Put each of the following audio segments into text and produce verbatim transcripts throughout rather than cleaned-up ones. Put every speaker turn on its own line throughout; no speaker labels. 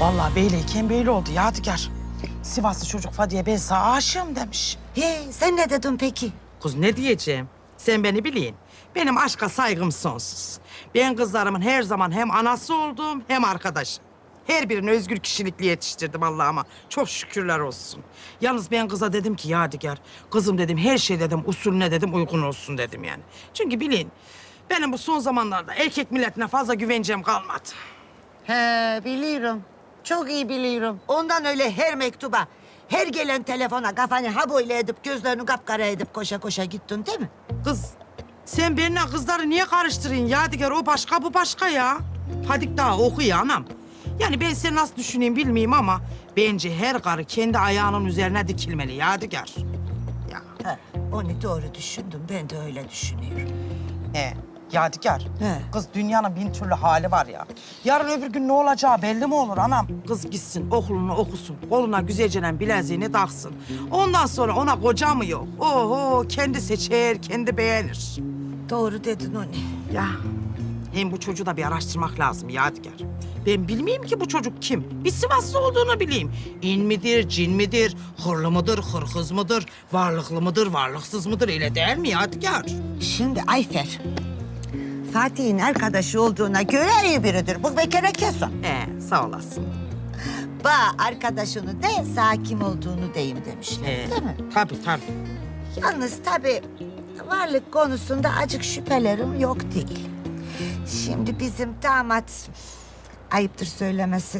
Vallahi beyleyken böyle oldu Yadigar. Sivaslı çocuk Fadiye ben sana aşığım demiş.
He, sen ne dedin peki?
Kız ne diyeceğim? Sen beni bilin. Benim aşka saygım sonsuz. Ben kızlarımın her zaman hem anası oldum hem arkadaşı. Her birini özgür kişilikli yetiştirdim Allah'ıma. Çok şükürler olsun. Yalnız ben kıza dedim ki Yadigar, kızım dedim her şey dedim usulüne dedim uygun olsun dedim yani. Çünkü bilin benim bu son zamanlarda erkek milletine fazla güvencem kalmadı.
He, biliyorum. Çok iyi biliyorum. Ondan öyle her mektuba, her gelen telefona kafanı ha böyle edip gözlerini kapkara edip koşa koşa gittin değil mi?
Kız sen benimle kızları niye karıştırıyorsun Yadigar? O başka bu başka ya. Fadik daha okuyor anam. Yani ben seni nasıl düşüneyim bilmeyeyim ama bence her karı kendi ayağının üzerine dikilmeli Yadigar. Ya.
He, onu doğru düşündüm. Ben de öyle düşünüyorum.
He, Yadigar.
He.
Kız dünyanın bin türlü hali var ya. Yarın öbür gün ne olacağı belli mi olur anam? Kız gitsin okulunu okusun. Koluna güzelcenen bileziğini taksın. Ondan sonra ona koca mı yok? Oho kendi seçer, kendi beğenir.
Doğru dedin onu.
Ya hem bu çocuğu da bir araştırmak lazım Yadigar. Ben bilmeyeyim ki bu çocuk kim? Bir Sivaslı olduğunu bileyim. İn midir, cin midir, hırlı mıdır, hırkız mıdır, varlıklı mıdır, varlıksız mıdır? Öyle değil mi Yadigar?
Şimdi Ayfer, Fatih'in arkadaşı olduğuna göre iyi biridir. Bu bir kere kesin.
Ee, sağ olasın.
Ba arkadaşını de sağ kim olduğunu deyim demişler
Ee,
değil mi?
Tabii tabii.
Yalnız tabii varlık konusunda acık şüphelerim yok değil. Şimdi bizim damat, ayıptır söylemesi,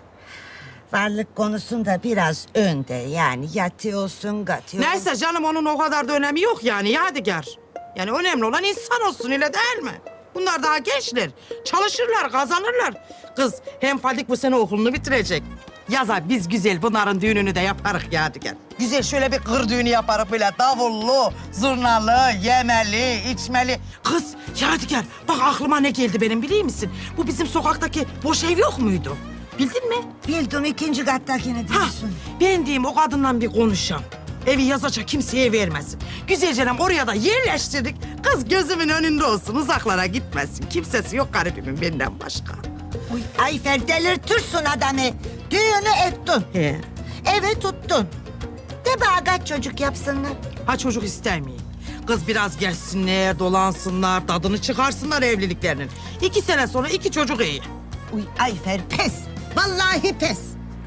varlık konusunda biraz önde. Yani yatıyorsun, gatıyorsun.
Neyse canım onun o kadar da önemi yok yani Yadigar. Yani önemli olan insan olsun öyle değil mi? Bunlar daha gençler. Çalışırlar, kazanırlar. Kız hem Fadik bu sene okulunu bitirecek. Yaza biz güzel bunların düğününü de yaparız Yadigar. Güzel şöyle bir kır düğünü yaparız böyle davullu, zurnalı, yemeli, içmeli. Kız Yadigar bak aklıma ne geldi benim biliyor musun? Bu bizim sokaktaki boş ev yok muydu? Bildin mi?
Bildim ikinci kattakini
Ha,
diyorsun.
ben diyeyim o kadından bir konuşam. Evi yazaca kimseye vermesin. Güzelce oraya da yerleştirdik. Kız gözümün önünde olsun, uzaklara gitmesin. Kimsesi yok garibimin benden başka.
Uy, Ayfer delirtirsin adamı. Düğünü ettin.
He.
Evi tuttun. De bana kaç çocuk yapsınlar.
Ha çocuk istemeyin. Kız biraz gezsinler, dolansınlar, tadını çıkarsınlar evliliklerinin. İki sene sonra iki çocuk iyi.
Uy Ayfer pes. Vallahi pes.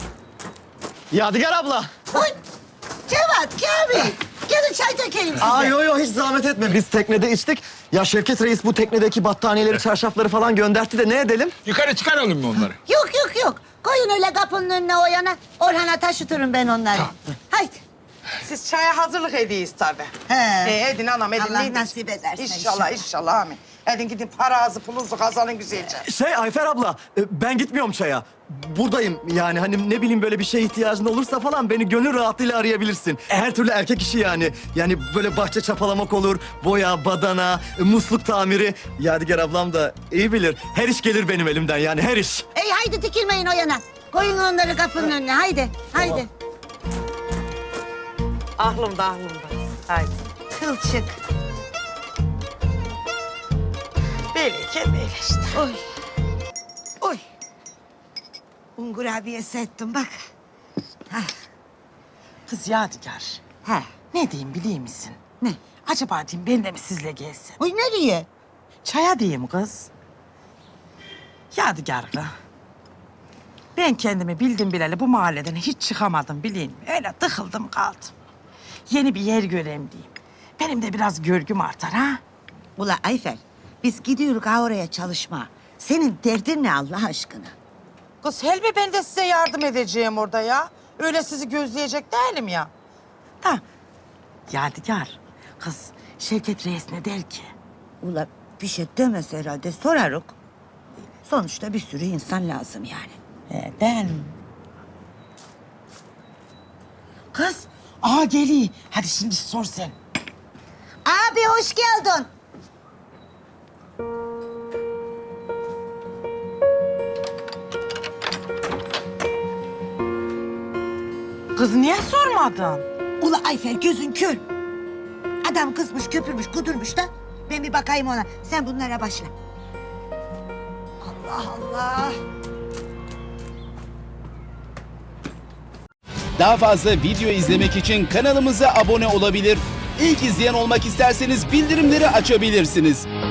Yadigar abla.
Uy Cevat, Kamil. Gelin çay dökelim size.
Aa yo yo hiç zahmet etme. Biz teknede içtik. Ya Şevket Reis bu teknedeki battaniyeleri, çarşafları falan göndertti de ne edelim?
Yukarı çıkaralım mı onları?
Yok yok yok. Koyun öyle kapının önüne o yana. Orhan'a taşıtırım ben onları. Haydi.
Siz çaya hazırlık ediyiz tabii.
He.
Ee, edin anam edin.
Allah
edin.
nasip ederse
İnşallah
inşallah.
inşallah amin. Edin gidin paranızı pulunuzu kazanın güzelce.
Şey Ayfer abla, e, ben gitmiyorum çaya. Buradayım yani hani ne bileyim böyle bir şeye ihtiyacın olursa falan beni gönül rahatlığıyla arayabilirsin. Her türlü erkek işi yani. Yani böyle bahçe çapalamak olur, boya, badana, e, musluk tamiri. Yadigar ablam da iyi bilir. Her iş gelir benim elimden yani her iş.
Ey haydi dikilmeyin o yana. Koyun onları kapının önüne. Haydi. Haydi.
Aklımda aklımda. Haydi.
Kılçık.
Böyleyken böyle işte.
Oy. Oy. Un kurabiyesi ettim bak. Hah.
Kız Yadigar.
Ha.
Ne diyeyim biliyor musun?
Ne?
Acaba diyeyim ben de mi sizle gelsem?
Oy nereye?
Çaya diyeyim kız. Yadigar kız. Ben kendimi bildim bileli bu mahalleden hiç çıkamadım bileyim mi? Öyle tıkıldım kaldım. Yeni bir yer göreyim diyeyim. Benim de biraz görgüm artar ha.
Ula Ayfer, biz gidiyoruz ha oraya çalışma. Senin derdin ne Allah aşkına?
Kız Helmi ben de size yardım edeceğim orada ya. Öyle sizi gözleyecek değilim ya. Da Yadigar, kız Şevket Reis ne der ki?
Ula bir şey demez herhalde sorarız. Sonuçta bir sürü insan lazım yani.
He, ben. Kız, aa geliyor. Hadi şimdi sor sen.
Abi hoş geldin.
Kız niye sormadın?
Ula Ayfer gözün kör. Adam kızmış, köpürmüş, kudurmuş da. Ben bir bakayım ona. Sen bunlara başla. Allah Allah.
Daha fazla video izlemek için kanalımıza abone olabilir. İlk izleyen olmak isterseniz bildirimleri açabilirsiniz.